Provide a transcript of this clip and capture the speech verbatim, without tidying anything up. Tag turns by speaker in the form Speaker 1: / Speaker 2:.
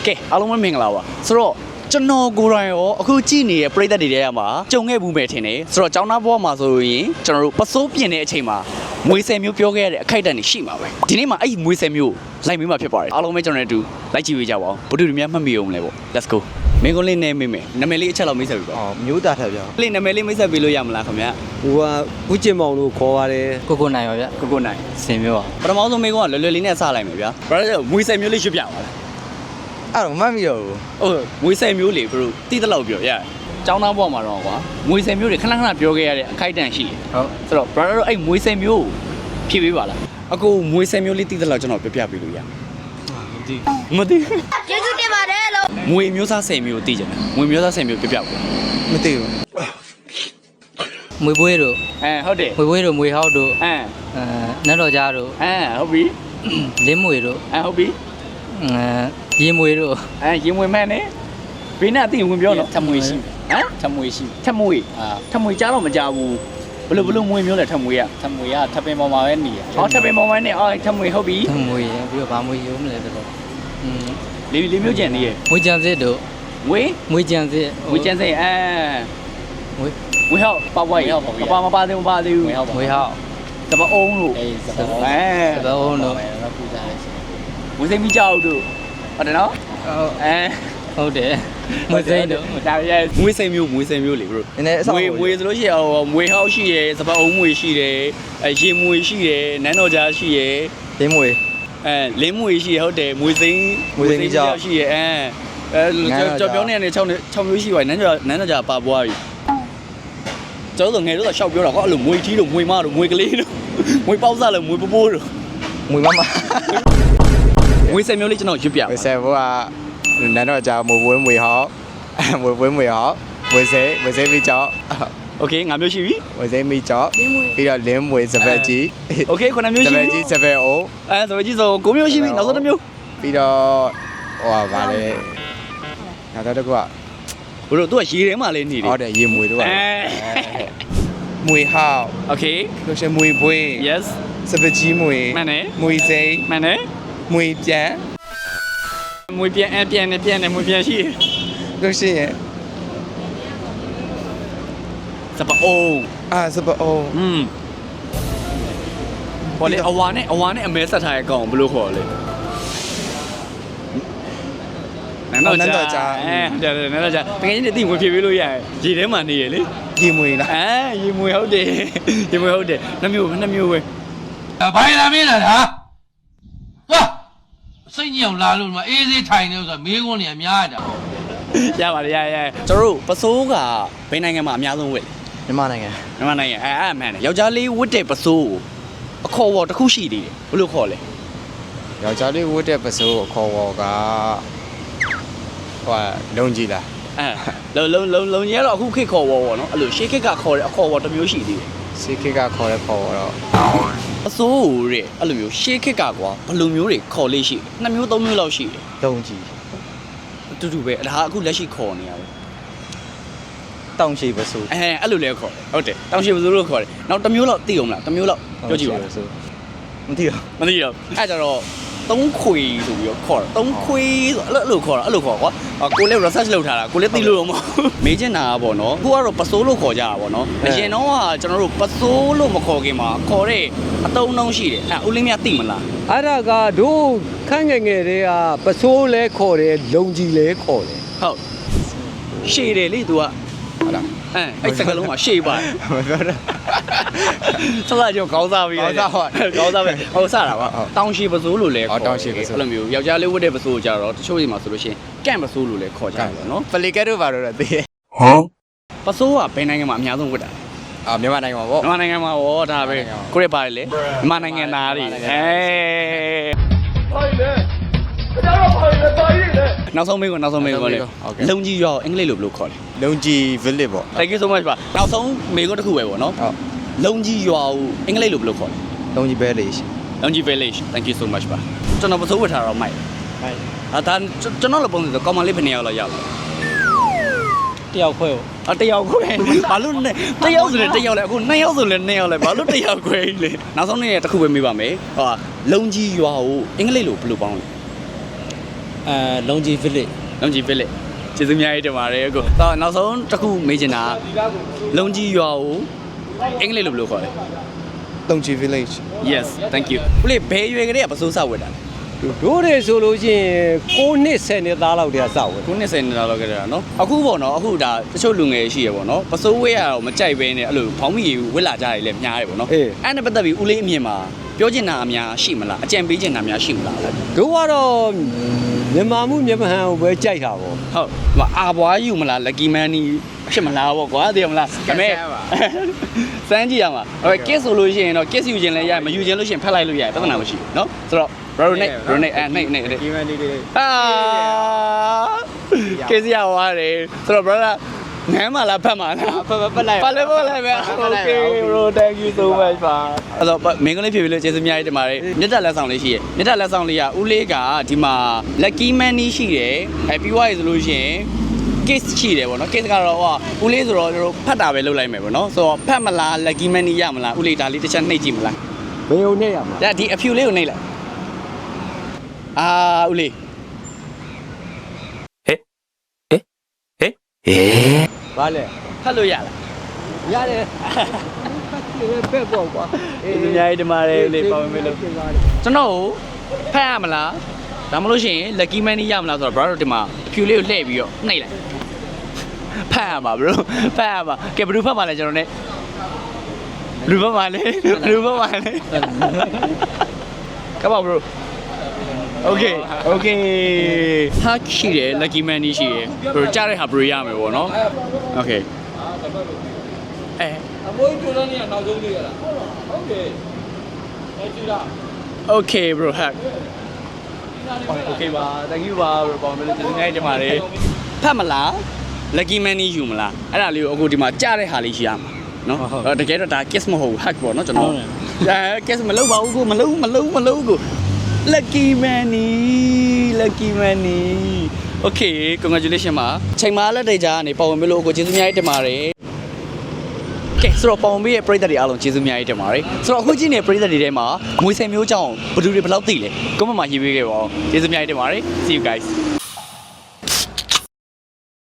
Speaker 1: ကဲအားလုံးပဲမင်္ဂလာပါဆိုတော့ကျွန်တော်ကိုယ်တိုင်ရောအခုကြည့်နေတဲ့ပရိသတ်တွေထဲမှာကြုံခဲ့ဘူးမယ်ထင်တယ်ဆိုတော့ကျောင်းသားဘဝမှာဆိုရင်ကျွန်တော်တို့ပစိုးပြင်တဲ့အချိန်မှာမွေးဆယ်မျိုးပြောခဲ့ရတဲ့အခိုက်အတန့်တွေရှိမှာပဲဒီနေ့မှာအဲ့ဒီမွေးဆယ်မျိုးလိုက်မေးမှာဖြစ်ပါတယ်အားလုံးပဲကျွန်တော်တို့အတူလိုက်ကြည့်ပေးကြပါဦးဘုဒ္ဓလူများမှတ်မိအောင်လဲပေါ့ let's go မင်းကလေးနဲ့မေးမယ်နာမည်လေးအချက်လောက်မိတ်ဆက်ပြီပေါ့
Speaker 2: အော်မျိုးသားထက်ဗျာ
Speaker 1: လေးနာမည်လေးမိတ်ဆက်ပေးလို့ရမလားခင်ဗျာ
Speaker 2: ဟိုကဦးကျင်မောင်လို့ခေါ်ပါတယ်
Speaker 3: ကိုကိုနိုင်ပါဗျ
Speaker 1: ကိုကိုနိုင်
Speaker 3: စင်မျိုးပါ
Speaker 1: ပထမဆုံးမေးခွန်းကလွယ်လွယ်လေးနဲ့စလိုက်မယ်ဗျာဘာလို့လဲမွေးဆယ်မျိုးလေးရွတ်ပြပါလား
Speaker 2: အဲ့တော့မတ်မိတော့ဘူး
Speaker 1: ဟုတ်မွေးဆယ်မျိုးလေးဘလို့တိတလောက်ပြောရကျောင်းသားဘဝမှာတော့ကွာမွေးဆယ်မျိုးတွေခဏခဏပြောခဲ့ရတဲ့အခိုက်အတန့်ရှိတယ်
Speaker 3: ဟုတ်
Speaker 1: ဆိုတော့ brother တို့အဲ့မွေးဆယ်မျိုးဖြည့်ပေးပါလားအကိုမွေးဆယ်မျိုးလေးတိတလောက်ကျွန်တော်ပြပြပေးလို့ရမသိမသိ
Speaker 4: ကျေးဇူးတင်ပါတယ်လို့
Speaker 1: မွေမျိုးသားဆယ်မျိုးသိကြတယ်မွေမျိုးသားဆယ်မျိုးပြပြပေး
Speaker 2: မသိဘူး
Speaker 3: မွေပွေးတို့
Speaker 1: အဲဟုတ်တယ်
Speaker 3: မွေပွေးတို့မွေဟောက်တို့
Speaker 1: အဲ
Speaker 3: အဲနတ်တော်ကြားတို့
Speaker 1: အဲဟုတ်ပြီ
Speaker 3: လင်းမွေတို့
Speaker 1: အဲဟုတ်ပြီ
Speaker 3: အဲရေမွေတို့
Speaker 1: အဲရင်ဝင်မဲ့နဲ့ဘေးနဲ့အသိဝင်ပြောတော့
Speaker 3: ထမွေရှိ
Speaker 1: ဟမ်
Speaker 3: ထမွေရှိ
Speaker 1: ထမွေ
Speaker 3: အာ
Speaker 1: ထမွေကြားတော့မကြားဘူးဘလို့ဘလို့မွေမျိုးလဲထမွေရ
Speaker 3: ထမွေကထပင်ပေါ်မှာပဲနေရ
Speaker 1: ဟောထပင်ပေါ်မှာနဲ့အော်ထမွေဟုတ်ပြီ
Speaker 3: ထမွေရပြီးတော့ဗာမွေရုံးမလဲဆိုတော့อืม
Speaker 1: လေးလေးမျိုးကျန်နေရ
Speaker 3: မွေကြံစစ်တို့
Speaker 1: ဝေး
Speaker 3: မွေကြံစစ်
Speaker 1: ဝေးကျန်စိအဲ
Speaker 3: မွေ
Speaker 1: ဝေးဟောက်ပါပွားရမပါမပါသေးမပါသေးဘူး
Speaker 3: မွေဟောက်မွေဟောက်
Speaker 1: တပအောင်လို့
Speaker 3: အေးစပ
Speaker 1: အဲ
Speaker 3: စပအောင်တို့ပူဇာလေးရှိ
Speaker 1: ဝေးစိမီကြောက်တို့ဟုတ်တယ်နော်
Speaker 3: ဟုတ်
Speaker 1: အဲ
Speaker 3: ဟုတ်တယ်မွေစိမ့်တို့
Speaker 1: ဒါရဲမွေးစိမျိုးမွေးစိမျိုးလေ bro
Speaker 2: နည်းနည်းအဆောင်
Speaker 1: မွေမွေဆိုလို့ရှိရင်ဟောမွေဟောက်ရှိရယ်စပအောင်မွေရှိတယ်အဲရေမွေရှိတယ်နန်းတော်ကြားရှိရယ်
Speaker 2: လင်းမွေ
Speaker 1: အဲလင်းမွေရှိရဟုတ်တယ်မွေစိမ့်
Speaker 2: မွေစိမ်းကြောက်
Speaker 1: ရှိရအဲအဲကြော်ပြောင်းနေတယ်6နဲ့6မျိုးရှိပါတယ်နန်းတော်နန်းတော်ကြားပါပွားပြီကျောင်းဆိုငယ်တော့ရှောက်ပြောတာကွာအဲ့လိုမွေထီးတို့မွေမတို့မွေကလေးတို့မွေပေါက်စားလို့မွေပိုးပိုးတို့
Speaker 2: မွေမမ
Speaker 1: မွေစက်မျိုးလေးကျွန်တော်ရွတ်ပြ
Speaker 2: ဝေဆယ်ဘောကနန်းတော့ကြာမွေပွဲမွေဟောက်မွေပွဲမွေဟောက်ဝေဆယ်ဝေဆယ်မိကြောက်
Speaker 1: โอเคငါမျိုးရှိပြီ
Speaker 2: ဝေဆယ်မိကြောက်ပြီးတော့လင်းမွေစပက်ကြီး
Speaker 1: โอเคခုနမျိုး
Speaker 2: စ
Speaker 1: ရှိ
Speaker 2: ပ
Speaker 1: ပြီ
Speaker 2: က်ကြီးစပက်အိုး
Speaker 1: အဲဆိုကြည့်ဆိုကိုမျိုးရှိပြီနောက်ဆုံးတစ်မျိုး
Speaker 2: ပြီးတော့ဟိုပါဗာလေနောက်တော့တစ်ခုက
Speaker 1: ဘို့တို့သူကရေထဲမှာလေးနေတယ်
Speaker 2: ဟုတ်တယ်ရေမွေတို့က
Speaker 1: အဲ
Speaker 2: မွေဟောက်
Speaker 1: โอเค
Speaker 2: လို့ရှိရင်မွေပွေး
Speaker 1: yes
Speaker 2: စပက်ကြီးမွေ
Speaker 1: မှန်တယ်
Speaker 2: မွေစိမ်း
Speaker 1: မှန်တယ်
Speaker 2: မွေပြန်
Speaker 1: မွေပြန်အပြန်နဲ့ပြန်နဲ့မွေပြန်ရှိ
Speaker 2: လို့ရှိရင်
Speaker 1: စပအိုး
Speaker 2: အာစပက်အိုး
Speaker 1: อืมဘောလေအဝါနဲ့အဝါနဲ့အမဲဆက်ထားရဲ့ကောင်ဘယ်လိုခေါ်လဲနန်းတော်ကြာအဲတယ်နန်းတော်ကြာတကယ်ကြီးနေတိဝင်ဖြေပေးလို့ရတယ်ရေထဲမှာနေရလေ
Speaker 2: ရေမွေလား
Speaker 1: အဲရေမွေဟုတ်တယ်ရေမွေဟုတ်တယ်နှမျိုးနှမျိုးပဲ
Speaker 5: ဘိုင်လာမင်းလားဟာသွားစိတ်ညစ်အောင်လာလို့ဒီမှာအေးစေးထိုင်နေလို့ဆိုတာမေးခွန်းနေအများကြီးတာ
Speaker 1: ရပါတယ်ရရကျွန်တော်တို့ပစိုးကဘယ်နိုင်ငံမှာအများဆုံးဝတ်လဲ
Speaker 2: မြန်မာနိုင်ငံ
Speaker 1: မြန်မာနိုင်ငံအဲအဲ့မှန်တယ်ယောက်ျားလေးဝတ်တဲ့ပစိုးကိုအခေါ်ဝေါ်တစ်ခုရှိသေးတယ်ဘယ်လိုခေါ်လဲ
Speaker 2: ယောက်ျားလေးဝတ်တဲ့ပစိုးအခေါ်ဝေါ်ကဟိုလုံကြီးလား
Speaker 1: အဲလုံလုံလုံလုံကြီးကတော့အခုခေတ်ခေါ်ဝေါ်ပေါ့နော်အဲ့လိုရှေးခေတ်ကခေါ်တဲ့အခေါ်ဝေါ်တစ်မျိုးရှိသေးတယ်
Speaker 2: စီခေတ်ကခေါ်တဲ့ခေါ်ဝေါ်တော့
Speaker 1: ပစိုးကိုတဲ့အဲ့လိုမျိုးရှေးခေတ်ကကွာဘယ်လိုမျိုးတွေခေါ်လေးရှိတယ်နှစ်မျိုးသုံးမျိုးလောက်ရှိတယ်
Speaker 2: လုံကြီး
Speaker 1: အတူတူပဲဒါအခုလက်ရှိခေါ်နေရပဲ
Speaker 2: တောင်ရှိပစိုး
Speaker 1: အဲအဲ့လိုလဲခေါ်တယ်ဟုတ်တယ်တောင်ရှိပစိုးလို့ခေါ်တယ်နောက်တစ်မျိုးလောက်သိအောင်မလားတစ်မျိုးလောက်ပြောကြည့်ပါဦး
Speaker 2: မသိတော့
Speaker 1: မသိတော့အဲ့ကြတော့သုံးခွေဆိုပြီးတော့ခေါ်တာသုံးခွေဆိုအဲ့လိုခေါ်တာအဲ့လိုခေါ်ကွာကိုလည်း research လုပ်ထားတာကိုလည်းသိလို့တော့မဟုတ်မေးချင်တာပေါ့နော်အခုကတော့ပစိုးလို့ခေါ်ကြတာပေါ့နော်အရင်တော့ကကျွန်တော်တို့ပစိုးလို့မခေါ်ခင်မှာခေါ်တဲ့အတုံးနှုံးရှိတယ်အဲ့ဦးလင်းမြသိမလား
Speaker 6: အဲ့ဒါကတို့ခန့်ငယ်ငယ်တွေကပစိုးလဲခေါ်တယ်လုံကြီးလဲခေါ်တယ်
Speaker 1: ဟုတ်ရှည်တယ်လေ तू က
Speaker 2: ဟုတ်လား
Speaker 1: အဲအဲ့စကလုံးမှာရှေ့ပါ
Speaker 2: မပြောတော့
Speaker 1: ဆက်လာကြောကောင်းစားပြီကောင်းစားပဲဟုတ်စတာပါတောင်ရှိပစိုးလို့လဲခေါ်အဲ့လိုမျိုးယောက်ျားလေးဝတ်တဲ့ပစိုးကြတော့တချို့တွေမှာဆိုလို့ရှိရင်ကန့်ပစိုးလို့လဲခေါ်ကြတယ်ပေါ့နော်
Speaker 2: ပလီကက်တို့ဘာလို့လဲသိရ
Speaker 1: ပစိုးကဘယ်နိုင်ငံမှာအများဆုံးဝတ်တာ
Speaker 2: အာမြန်မာနိုင်ငံမှာပေါ့
Speaker 1: မြန်မာနိုင်ငံမှာဟောဒါပဲကိုရက်ပါတယ်လေမြန်မာနိုင်ငံသားတွေအဲနောက်ဆုံးမေးခွန်းနောက်ဆုံးမေးခွန်းလေလုံကြီးရောအင်္ဂလိပ်လိုဘယ်လိုခေါ်လဲ
Speaker 2: လုံကြီး village ပေါ့
Speaker 1: Thank you so much ပါနောက်ဆုံးမေးခွန်းတစ်ခုပဲပေါ့နော်
Speaker 2: ဟုတ်
Speaker 1: လုံကြီးရွာကိုအင်္ဂလိပ်လိုဘယ်လိုခေါ်လဲ
Speaker 2: လုံကြီး village
Speaker 1: လုံကြီး village Thank you so much ပါကျွန်တော်ပစိုးဝတ်ထားတော့မိုက်
Speaker 3: မိုက်
Speaker 1: အာဒါကျွန်တော်လည်းပုံစံဆိုကောင်မလေးဘယ်နှစ်ယောက်လောက်ရောက်လဲ
Speaker 3: တယောက်ခွဲကို
Speaker 1: အတယောက်ခွဲဘာလို့နဲ့တယောက်ဆိုလည်းတယောက်လဲအခုနှစ်ယောက်ဆိုလည်းနှစ်ယောက်လဲဘာလို့တယောက်ခွဲလေနောက်ဆုံးနေ့တစ်ခုပဲမေးပါမယ်ဟောလုံကြီးရွာကိုအင်္ဂလိပ်လိုဘယ်လိုပေါင်းလဲ
Speaker 2: လ
Speaker 3: အဲလုံကြီး village
Speaker 1: လုံကြီး village ကျေးဇူးများတင်ပါတယ်ကိုတော့နောက်ဆုံးတစ်ခုမေးချင်တာလုံကြီးရွာကိုအင်္ဂလိပ်လိုဘယ်လိုခေါ်လဲ
Speaker 2: တုံချီ village
Speaker 1: Yes thank you ဦးလေးဘယ်ရွယ်ကလေးကပစိုးစဝတ်တာလဲ
Speaker 6: တို့တွေဆိုလို့ရှိရင်ကိုနှစ်ဆယ်နှစ်သားလောက်တည်းကစောက်ဝင်
Speaker 1: ခုနှစ်ဆယ်နှစ်လောက်ခဲ့တာနော်အခုပေါ့နော်အခုဒါတချို့လူငယ်ရှိရပေါ့နော်ပစိုးဝဲရတော့မကြိုက်ဘဲနဲ့အဲ့လိုဖောင်းမိရဝက်လာကြတယ်လည်းများတယ်ပေါ့နော်အဲ့နဲ့ပတ်သက်ပြီးဦးလေးအမြင်မှာပြောချင်တာအများရှိမလားအကြံပေးချင်တာများရှိမလား
Speaker 6: တို့ကတော့မြန်မာမှုမြန်မာဟန်ကိုပဲကြိုက်တာပေါ့
Speaker 1: ဟုတ်ဟိုအာဘွားယူမလား lucky man နီဖြစ်မလားပေါ့ကွာသိရမလားဒါပေမဲ့စမ်းကြည့်ရမှာဟို kiss ဆိုလို့ရှိရင်တော့ kiss ယူခြင်းလည်းရမယူခြင်းလို့ရှိရင်ဖက်လိုက်လို့ရတယ်ပြဿနာမရှိဘူးเนาะဆိုတော့ bro နဲ့ bro နဲ့အဲနဲ့နဲ့
Speaker 2: ဒီမန်ဒီလေး
Speaker 1: အာ kiss ရသွားတယ်ဆိုတော့ brother ငမ်းမလားဖက်မလား
Speaker 2: ဖက်ဖက်လိုက်
Speaker 1: ဖက်လိုက်ဖက်လိုက်ပဲ okay bro thank you so much ပါအဲ့တော့မင်းကလေးဖြစ်ပြီးလို့ကျေးဇူးများတင်ပါတယ်မြတ်တက်လက်ဆောင်လေးရှိရမြတ်တက်လက်ဆောင်လေးကဦးလေးကဒီမှာ lucky man နီးရှိတယ်အဲပြီးသွားရဆိုလို့ရှိရင် case ရှိတယ်ပေါ့နော် case ကတော့ဟိုဦးလေးဆိုတော့ကျွန်တော်ဖတ်တာပဲလုပ်လိုက်မယ်ပေါ့နော်ဆိုတော့ဖတ်မလား lucky man နီးရမလားဦးလေးဒါလေးတစ်ချက်နှိပ်ကြည့်မလား
Speaker 6: ဘယ်ုံနဲ့ရမှာ
Speaker 1: ဒါဒီအဖြူလေးကိုနှိပ်လိုက်အာဦးလေး
Speaker 6: ဘာလဲ
Speaker 1: ဖတ်လို့ရလား
Speaker 6: ရတယ်ဖက်ပေါ့ကွာ
Speaker 1: ကျေးဇူးများတင်ပါတယ်ဦးလေးပါဝင်မယ်လို့ကျွန်တော်ကိုဖတ်ရမလားဒါမှမဟုတ်ရှင် lucky man နီးရမလားဆိုတော့ brother ဒီမှာအဖြူလေးကိုလှည့်ပြီးတော့နှိပ်လိုက်ဖတ်ရမှာ bro ဖတ်ရမှာကဲဘယ်လိုဖတ်မှာလဲကျွန်တော် ਨੇ ဘယ်လိုဖတ်မှာလဲဘယ်လိုဖတ်မှာလဲ Come on bro Okay okay ဟာရှိတယ် lucky man နီးရှိတယ် bro ကြားတဲ့ဟာ bro ရမယ်ပေါ့နော် Okay အဲ
Speaker 3: အမိုးတို့လည်းနောက်ဆုံးလေးရလားဟုတ်တယ်အဲကြည့်လား
Speaker 1: Okay bro hack Okay ပါ thank you ပါ bro ပေါင်းလို့ကျေးဇူးများတင်ပါတယ်ဖတ်မလား lucky man နီးယူမလားအဲ့ဒါလေးကိုအခုဒီမှာကြားတဲ့ဟာလေးရှိရမှာနော်အဲ့တကယ်တော့ဒါ kiss မဟုတ်ဘူး hack ပေါ့နော်ကျွန်တော်အဲ kiss မလုပ်ပါဘူးကိုမလုပ်မလုပ်မလုပ်ကို lucky man နီး lucky man နီး Okay congratulations ပါချိန်မာလက်တွေကြားကနေပေါဝင်မလို့ကိုကျေးဇူးများတင်ပါတယ်ကဲဆိုတော့ပေါင်ပေးရဲ့ပရိသတ်တွေအားလုံးကျေးဇူးများတင်ပါတယ်ဆိုတော့အခုကြည့်နေတဲ့ပရိသတ်တွေထဲမှာငွေဆယ်မျိုးကြောင်းဘယ်သူတွေဘယ်လောက်သိလဲကွန်မန့်မှာရေးပေးခဲ့ပါဦးကျေးဇူးများတင်ပါတယ် see you guys